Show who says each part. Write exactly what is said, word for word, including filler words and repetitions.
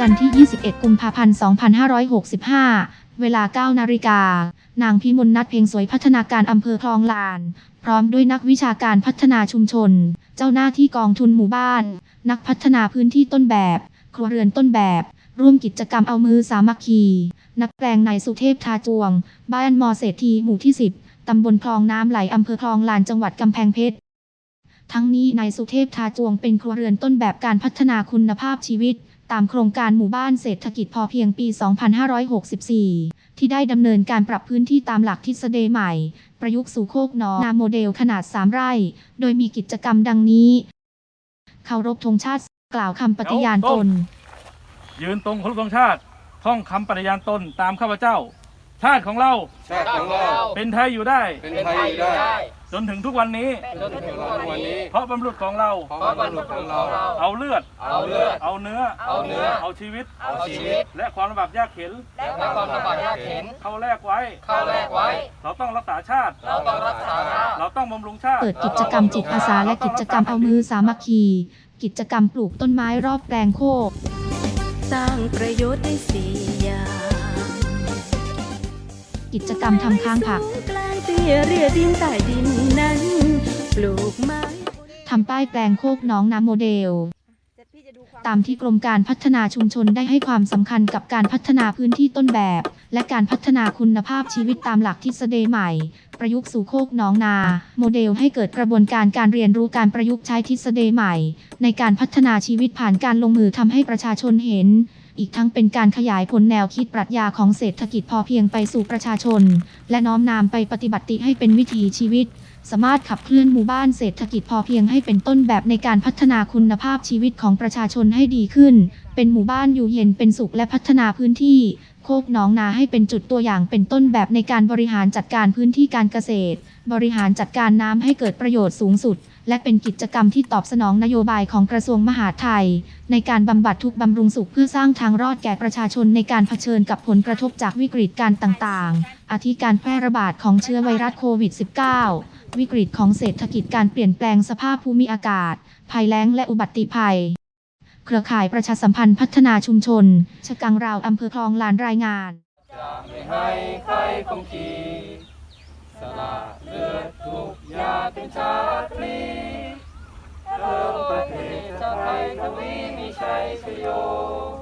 Speaker 1: จันทร์ที่ ยี่สิบเอ็ด กุมภาพันธ์ สองพันห้าร้อยหกสิบห้า เวลา เก้า นาฬิกา นางพิมลนัท เพ็งสวยพัฒนาการอำเภอคลองลาน พร้อมด้วยนักวิชาการพัฒนาชุมชน เจ้าหน้าที่กองทุนหมู่บ้าน นักพัฒนาพื้นที่ต้นแบบ ครัวเรือนต้นแบบ ร่วมกิจกรรมเอามือสามัคคี นักแปลงนายสุเทพทาจวง บ้านมอเศรษฐีหมู่ที่ สิบ ตำบลคลองน้ำไหลอำเภอคลองลานจังหวัดกำแพงเพชร ทั้งนี้นายสุเทพทาจวงเป็นครัวเรือนต้นแบบการพัฒนาคุณภาพชีวิตตามโครงการหมู่บ้านเศรษฐกิจพอเพียงปี สองพันห้าร้อยหกสิบสี่ ที่ได้ดำเนินการปรับพื้นที่ตามหลักทฤษฎีใหม่ ประยุกต์สู่โคกหนองนาโมเดลขนาด สาม ไร่ โดยมีกิจกรรมดังนี้ เคารพธงชาติ กล่าวคำปฏิญาณตน
Speaker 2: ยืนตรงเคารพธงชาติ ท่องคำปฏิญาณตนตามข้าพเจ้า ชาติของเรา
Speaker 3: ชาติของเรา
Speaker 2: เป็นไทยอยู่ได้
Speaker 3: เป็นไทยอยู่ได้
Speaker 2: จนถึงทุกวันนี้
Speaker 3: จนถึงทุกวันนี้
Speaker 2: เพราะบรรพบุรุษของเรา
Speaker 3: เพราะบรรพบุรุษของเรา
Speaker 2: เอาเลือด
Speaker 3: เอาเลือด
Speaker 2: เอาเนื้อ
Speaker 3: เอาเนื้อ
Speaker 2: เอาชีวิต
Speaker 3: เอาชีวิต
Speaker 2: และความลำบากยากเข็น
Speaker 3: และความลำบากยากเข็น
Speaker 2: เข้าแลกไว้
Speaker 3: เข้าแลกไว้
Speaker 2: เราต้องรักษาชาติ
Speaker 3: เราต้องรักษาชาติ
Speaker 2: เราต้องบำรุงชาติ
Speaker 1: เปิดกิจกรรมจิตอาสาและกิจกรรมเอามือสามัคคี กิจกรรมปลูกต้นไม้รอบแปลงโคก
Speaker 4: สร้างประโยชน์ได้สี่อย่าง
Speaker 1: กิจกรรมทำค้างผัก
Speaker 4: กลางเตี้ยเรียดินใต้ดินนั้น ปลูกไม้
Speaker 1: ทำป้ายแปลงโคกหนองน้ำโมเดล ตามที่กรมการพัฒนาชุมชนได้ให้ความสำคัญกับการพัฒนาพื้นที่ต้นแบบ และการพัฒนาคุณภาพชีวิตตามหลักทฤษฎีใหม่ ประยุกต์สู่โคกหนองนา โมเดลให้เกิดกระบวนการการเรียนรู้การประยุกต์ใช้ทฤษฎีใหม่ ในการพัฒนาชีวิตผ่านการลงมือทำให้ประชาชนเห็น อีกทั้งเป็นการขยายผลแนวคิดปรัชญาของเศรษฐกิจพอเพียงไปสู่ประชาชน และน้อมนำไปปฏิบัติให้เป็นวิถีชีวิต สามารถขับเคลื่อนหมู่บ้านเศรษฐกิจพอเพียงให้เป็นต้นแบบในการพัฒนาคุณภาพชีวิตของประชาชนให้ดีขึ้น เป็นหมู่บ้านอยู่เย็นเป็นสุขและพัฒนาพื้นที่ โคกหนองนาให้เป็นจุดตัวอย่างเป็นต้นแบบในการบริหารจัดการพื้นที่การเกษตร บริหารจัดการน้ำให้เกิดประโยชน์สูงสุด และเป็นกิจกรรมที่ตอบสนองนโยบายของกระทรวงมหาดไทย ในการบำบัดทุกข์บำรุงสุขเพื่อสร้างทางรอดแก่ประชาชนในการเผชิญกับผลกระทบจากวิกฤตการต่างๆ อาทิการแพร่ระบาดของเชื้อไวรัสโควิด สิบเก้า วิกฤตของเศรษฐกิจการเปลี่ยนแปลงสภาพภูมิอากาศ ภัยแล้งและอุบัติภัย เครือข่ายประชาสัมพันธ์พัฒนาชุมชน ชะกังราวอำเภอคลองลานรายงาน
Speaker 3: จะไม่ให้ใครคงขีสละเลือดทุกหยาดเป็นชาติพลีเริ่มประเทศชาติไทยทวีมีชัยชโย